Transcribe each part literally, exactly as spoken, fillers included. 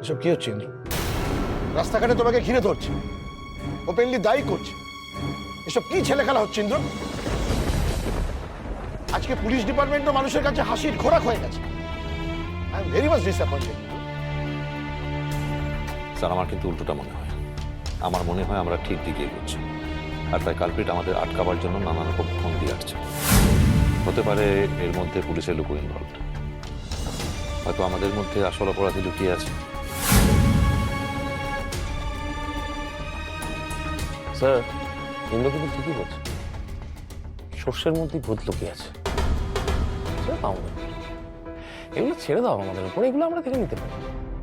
এসব কি হচ্ছে ইন্দ্র? রাস্তাঘাটে তোমাকে ঘিরে ধরছে, ওপেনলি দায়ী করছে। এসব কি ছেলে খেলা হচ্ছে ইন্দ্র? আজকে পুলিশ ডিপার্টমেন্টও মানুষের কাছে হাসির খোরাক হয়ে গেছে। I am very much disappointed. Sir, আমার কিন্তু উল্টোটা মনে হয়। আমার মনে হয় আমরা ঠিক দিকে এগোচ্ছি, আর তাই কালপিট আমাদের আটকাবার জন্য নানা রকম ফোন দিয়ে আসছে। হতে পারে এর মধ্যে পুলিশের লোকও ইনভলভ, হয়তো আমাদের মধ্যে আসল অপরাধী লুকিয়ে আছে। স্যার, ইন্দ্র কিন্তু ঠিকই বলছে, সর্ষের মধ্যেই ভূত লুকিয়ে আছে। ছেড়ে দাও না, এগুলো ছেড়ে দাও আমাদের উপর, এগুলো আমরা দেখে নিতে পারি।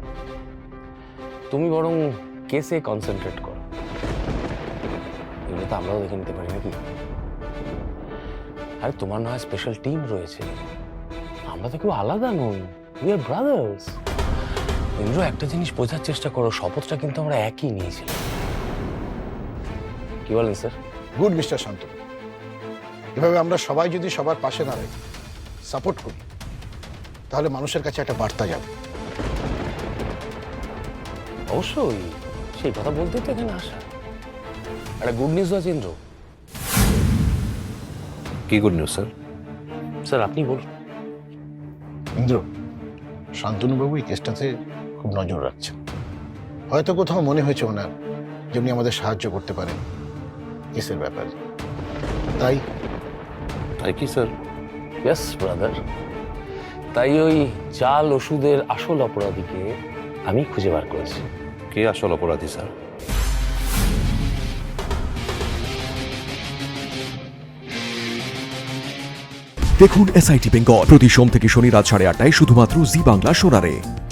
তুমি বরং কেসে কনসেন্ট্রেট করো, এগুলো তো আমরাও দেখে নিতে পারি নাকি? আরে তোমার না হয় স্পেশাল টিম রয়েছে, আমরা তো কেউ আলাদা নই, উই আর ব্রাদার্স। ইন্দ্র, একটা জিনিস বোঝার চেষ্টা করো, শপথটা কিন্তু আমরা একই নিয়েছিলাম। কি বলেন স্যার? গুড মিস্টার শান্তনু, এভাবে আমরা সবাই যদি সবার পাশে দাঁড়াই, সাপোর্ট করি, তাহলে মানুষের কাছে একটা বার্তা যাবে। অবশ্যই, সেই কথা বলতেই তো এখানে আসা। একটা গুড নিউজ আছে ইন্দ্র। কি গুড নিউজ স্যার? স্যার আপনি বলুন। ইন্দ্র, শান্তনুবাবু এই কেসটাতে খুব নজর রাখছেন। হয়তো কোথাও মনে হয়েছে ওনার যে উনি আমাদের সাহায্য করতে পারেন কেসের ব্যাপারে, তাই তাই কি স্যার? ইয়েস ব্রাদার, তাই ওই জাল ওষুধের আসল অপরাধীকে আমি খুঁজে বার করেছি। কে আসল অপরাধী স্যার? দেখুন এসআইটি বেঙ্গল প্রতি সোম থেকে শনি রাত সাড়ে আটটায় শুধুমাত্র জি বাংলা সোনারে।